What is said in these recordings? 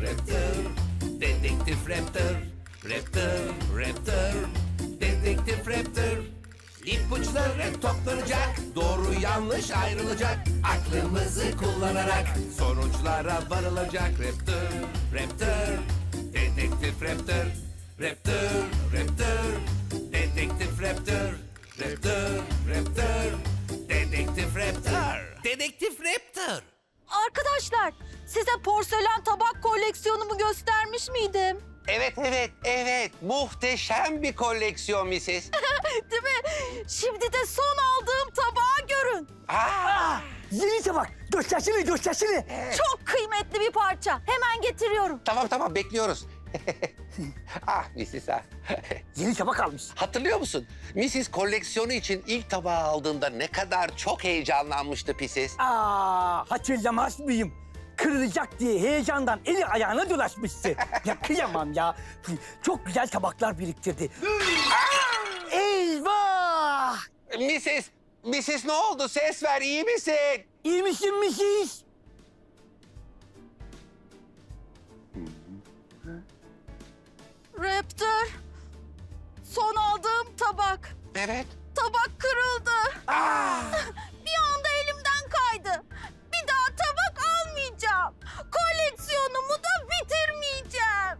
Raptor, Dedektif Raptor, Raptor, Raptor, Dedektif Raptor. İpuçları toplanacak, doğru yanlış ayrılacak. Aklımızı kullanarak sonuçlara varılacak. Raptor, Raptor, Dedektif Raptor, Raptor, Raptor, Dedektif Raptor, Raptor, Raptor, Dedektif Raptor, Dedektif Raptor. Arkadaşlar, size porselen tabak koleksiyonumu göstermiş miydim? Evet. Muhteşem bir koleksiyon Mrs. Değil mi? Şimdi de son aldığım tabağı görün. Yeni tabak. Göstersene. Çok kıymetli bir parça. Hemen getiriyorum. Tamam bekliyoruz. Mrs. Yeni tabak almış. Hatırlıyor musun? Mrs. koleksiyonu için ilk tabağı aldığında ne kadar çok heyecanlanmıştı Pisiz. Hatırlamaz mıyım? Kırılacak diye heyecandan eli ayağına dolaşmıştı. Ya kıyamam ya. Çok güzel tabaklar biriktirdi. Eyvah! Mrs. ne oldu? Ses ver, iyi misin? İyi misin Mrs.? Raptor, son aldığım tabak. Evet. Tabak kırıldı. Bir anda elimden kaydı. Bir daha tabak almayacağım. Koleksiyonumu da bitirmeyeceğim.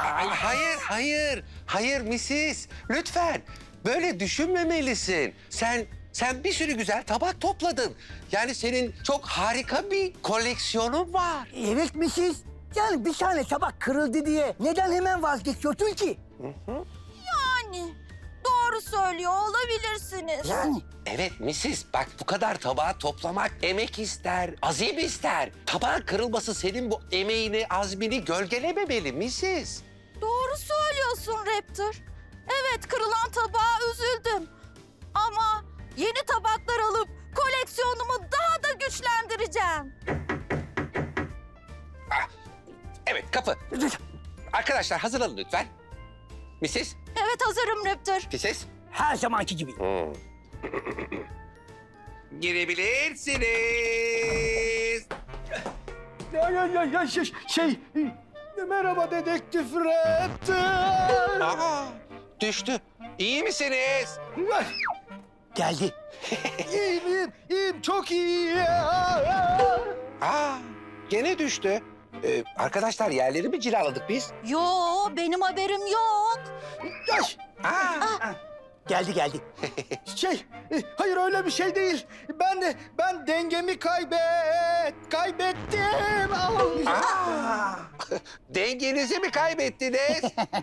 Hayır Mrs. Lütfen. Böyle düşünmemelisin. Sen bir sürü güzel tabak topladın. Yani senin çok harika bir koleksiyonun var. Evet Mrs. Yani bir tane tabak kırıldı diye neden hemen vazgeçiyorsun ki? Yani doğru söylüyor olabilirsiniz. Yani Evet Mrs. Bak bu kadar tabağı toplamak emek ister, azim ister. Tabağın kırılması senin bu emeğini, azmini gölgelememeli Mrs. Doğru söylüyorsun Raptor. Evet, kırılan tabağa üzüldüm. Ama yeni tabaklar alıp koleksiyonumu daha da güçlendireceğim. Evet kapı. Arkadaşlar hazırlanın lütfen. Mrs. Evet, hazırım Raptor. Mrs. her zamanki gibi. Girebilirsiniz. Merhaba Dedektif Raptor. Düştü. İyi misiniz? Geldi. İyiyim, çok iyiyim. Gene düştü. Arkadaşlar yerleri mi cilaladık biz? Yo, benim haberim yok. Geldi. Hayır öyle bir şey değil. Ben dengemi kaybettim. Dengenizi mi kaybettiniz?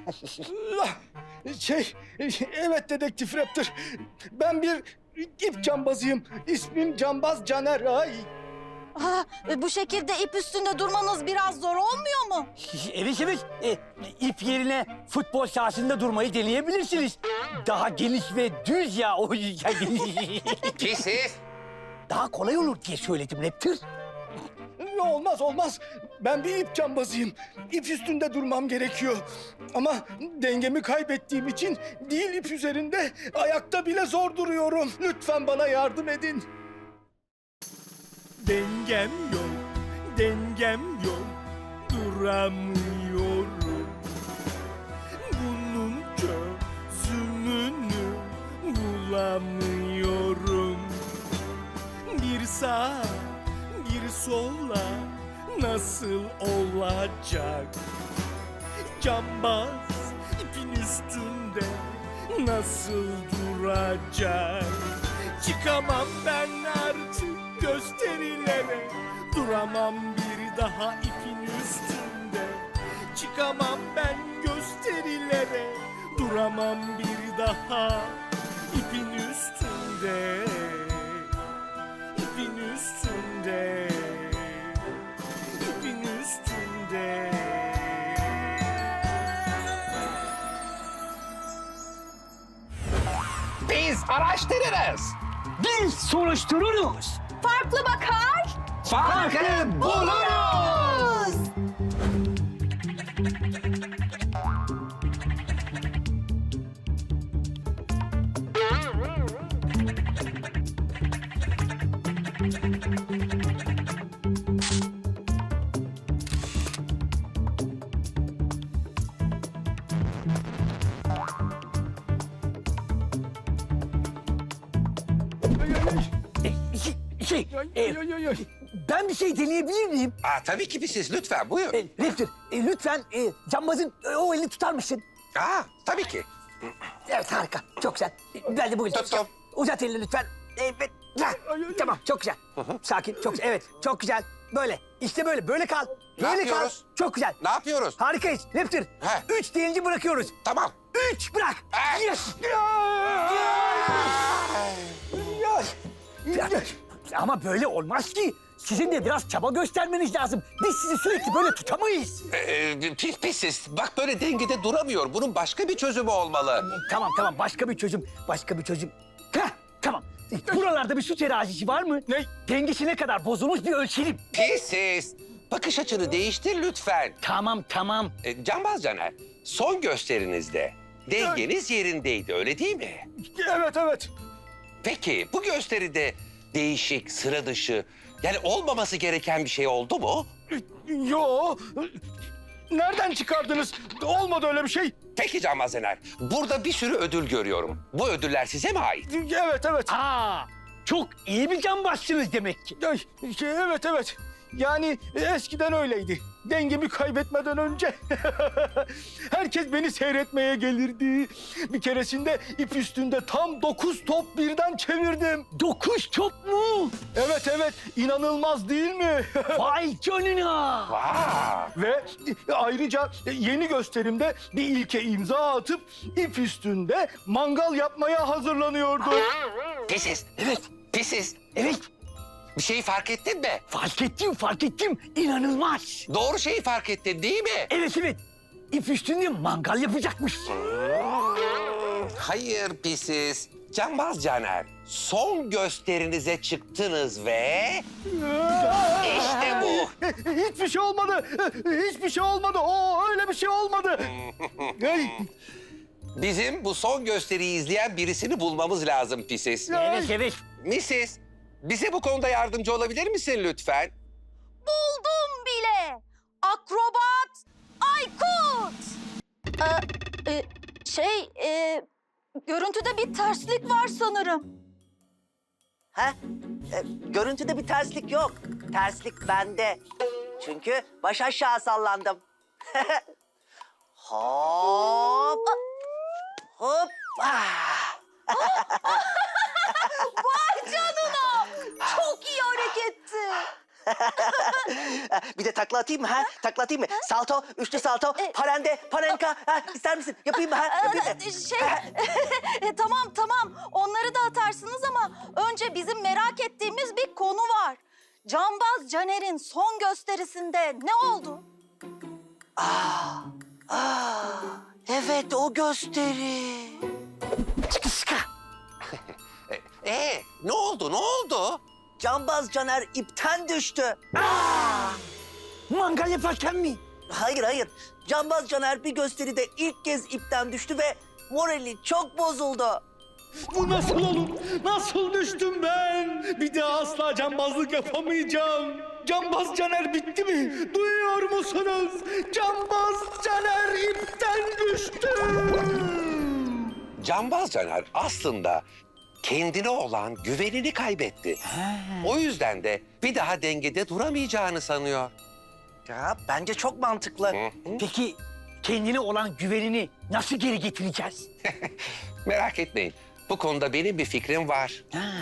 Evet Dedektif Raptor. Ben bir ip cambazıyım. İsmim Cambaz Caner. Bu şekilde ip üstünde durmanız biraz zor olmuyor mu? Evet. İp yerine futbol sahasında durmayı deneyebilirsiniz. Daha geniş ve düz ya o yüzden. Pisiz. Daha kolay olur diye söyledim Raptor. Olmaz. Ben bir ip cambazıyım. İp üstünde durmam gerekiyor. Ama dengemi kaybettiğim için değil ip üzerinde ayakta bile zor duruyorum. Lütfen bana yardım edin. Dengem yok, duramıyorum. Bunun çözümünü bulamıyorum. Bir sağa, bir sola nasıl olacak? Cambaz ipin üstünde nasıl duracak? Çıkamam ben artık gösterilere, duramam bir daha ipin üstünde. Çıkamam ben gösterilere, duramam bir daha ipin üstünde. İpin üstünde, ipin üstünde. Biz araştırırız. Biz soruştururuz. Farklı bakar. Farkı buluruz. Ben bir şey deneyebilir miyim? Tabii ki siz lütfen buyur. Raptor, lütfen cambazın o elini tutar mısın? Tabii ki. Evet, harika. Çok güzel. Ben de bu elini Tuttum. tutacağım. Uzat elini lütfen. Evet. Tamam, çok güzel. Sakin, çok güzel. Evet, çok güzel. Böyle. İşte böyle. Böyle kal. Ne Böyle kal. yapıyoruz? Çok güzel. Ne yapıyoruz? Harikayız. Raptor. He. 3 deyince bırakıyoruz. Tamam. 3 bırak. Yes. Ama böyle olmaz ki. Sizin de biraz çaba göstermeniz lazım. Biz sizi sürekli böyle tutamayız. Pisiz. Bak böyle dengede duramıyor. Bunun başka bir çözümü olmalı. Tamam. Başka bir çözüm. Heh, tamam. Buralarda bir su terazisi var mı? Ne? Dengesi ne kadar bozulmuş bir ölçelim. Pisiz. Bakış açını değiştir lütfen. Tamam. Cambaz Caner, son gösterinizde dengeniz yerindeydi öyle değil mi? Evet. Peki bu gösteride değişik, sıra dışı, yani olmaması gereken bir şey oldu mu? Yo. Nereden çıkardınız? Olmadı öyle bir şey. Peki Cambaz Caner, burada bir sürü ödül görüyorum. Bu ödüller size mi ait? Evet. Çok iyi bir cambazsınız demek ki. Evet. Yani eskiden öyleydi. Dengemi kaybetmeden önce herkes beni seyretmeye gelirdi. Bir keresinde ip üstünde tam 9 top birden çevirdim. 9 top mu? Evet, inanılmaz değil mi? Vay canına. Vay! Ve ayrıca yeni gösterimde bir ilke imza atıp ip üstünde mangal yapmaya hazırlanıyordum. Pisiz, Evet. pisiz. Evet. Bir şeyi fark ettin mi? Fark ettim. İnanılmaz. Doğru şeyi fark ettin değil mi? Evet. İp üstünde mangal yapacakmış. Hayır pisiz. Cambaz Caner, son gösterinize çıktınız ve... İşte bu. Hiçbir şey olmadı. Öyle bir şey olmadı. Bizim bu son gösteriyi izleyen birisini bulmamız lazım pisiz. Evet. Mrs. Bize bu konuda yardımcı olabilir misin lütfen? Buldum bile. Akrobat Aykut. Görüntüde bir terslik var sanırım. Görüntüde bir terslik yok. Terslik bende. Çünkü baş aşağı sallandım. Hop. Hop. Vay canına. Çok iyi hareketti. Bir de takla atayım mı? Takla atayım mı? Salto, üçlü salto, parende, parenka. İster misin? Yapayım mı? Yapayım mı? Tamam. Onları da atarsınız ama önce bizim merak ettiğimiz bir konu var. Cambaz Caner'in son gösterisinde ne oldu? Evet, o gösteri. Ne oldu? Cambaz Caner ipten düştü. Mangal yaparken mi? Hayır. Cambaz Caner bir gösteride ilk kez ipten düştü ve morali çok bozuldu. Bu nasıl olur? Nasıl düştüm ben? Bir daha asla cambazlık yapamayacağım. Cambaz Caner bitti mi? Duyuyor musunuz? Cambaz Caner ipten düştü. Cambaz Caner aslında kendine olan güvenini kaybetti. O yüzden de bir daha dengede duramayacağını sanıyor. Ya bence çok mantıklı. Peki kendine olan güvenini nasıl geri getireceğiz? Merak etmeyin. Bu konuda benim bir fikrim var.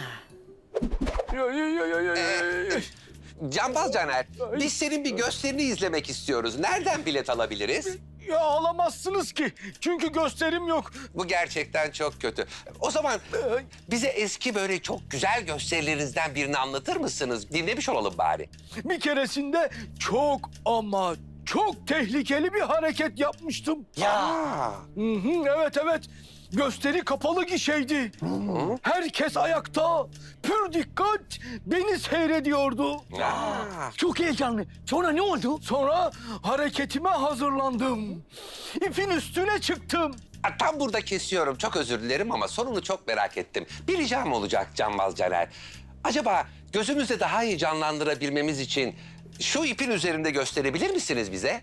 Cambaz Caner, biz senin bir gösterini izlemek istiyoruz. Nereden bilet alabiliriz? Ya alamazsınız ki. Çünkü gösterim yok. Bu gerçekten çok kötü. O zaman bize eski böyle çok güzel gösterilerinizden birini anlatır mısınız? Dinlemiş olalım bari. Bir keresinde çok ama çok tehlikeli bir hareket yapmıştım. Ya. Evet. Gösteri kapalı gişeydi. Herkes ayakta. Pür dikkat beni seyrediyordu. Çok heyecanlı. Sonra ne oldu? Sonra hareketime hazırlandım. İpin üstüne çıktım. Tam burada kesiyorum. Çok özür dilerim ama sonunu çok merak ettim. Bir ricam olacak Cambaz Caner. Acaba gözümüzde daha iyi canlandırabilmemiz için şu ipin üzerinde gösterebilir misiniz bize?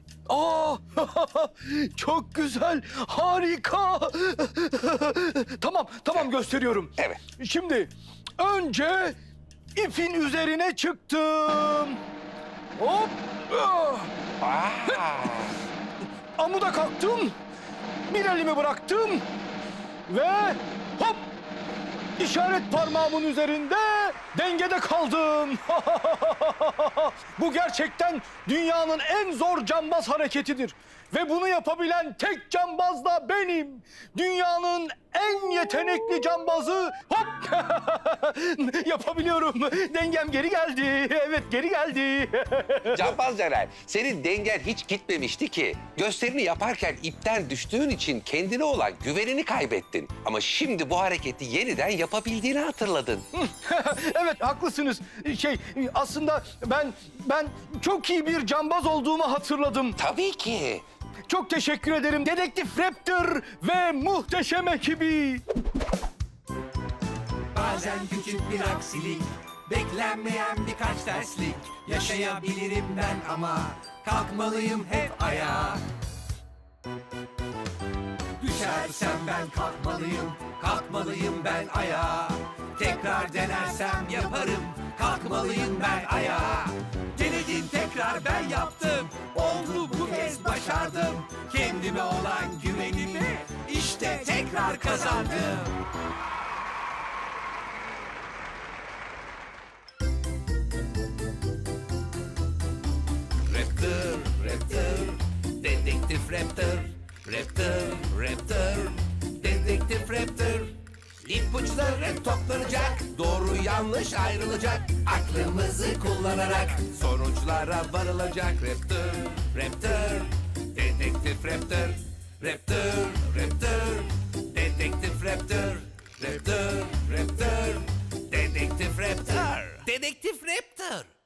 Çok güzel, harika. Tamam gösteriyorum. Evet. Şimdi önce ipin üzerine çıktım. Hop! Amuda kalktım. Bir elimi bıraktım. Ve hop! İşaret parmağımın üzerinde dengede kaldım. Bu gerçekten dünyanın en zor cambaz hareketidir. Ve bunu yapabilen tek cambaz da benim. Dünyanın en yetenekli cambazı. Hop! Yapabiliyorum. Dengem geri geldi. Evet, geri geldi. Cambaz Caner, senin dengen hiç gitmemişti ki. Gösterini yaparken ipten düştüğün için kendine olan güvenini kaybettin. Ama şimdi bu hareketi yeniden yapabildiğini hatırladın. Evet, haklısınız. Aslında ben çok iyi bir cambaz olduğumu hatırladım. Tabii ki. Çok teşekkür ederim Dedektif Raptor ve muhteşem ekibi. Bazen küçük bir aksilik, beklenmeyen birkaç terslik. Yaşayabilirim ben ama kalkmalıyım hep ayağa. Düşersem ben kalkmalıyım, kalkmalıyım ben ayağa. Tekrar denersem yaparım, kalkmalıyım ben ayağa. Denedim tekrar ben yaptım, oldu bu kez başardım. Kendime olan güvenimi işte tekrar kazandım. Raptor, Raptor, Dedektif Raptor. Raptor, Raptor, Dedektif Raptor. İpuçları toplanacak, doğru yanlış ayrılacak. Aklımızı kullanarak sonuçlara varılacak. Raptor, Raptor, Dedektif Raptor. Raptor, Raptor, Dedektif Raptor. Raptor, Raptor, Dedektif Raptor. Dedektif Raptor.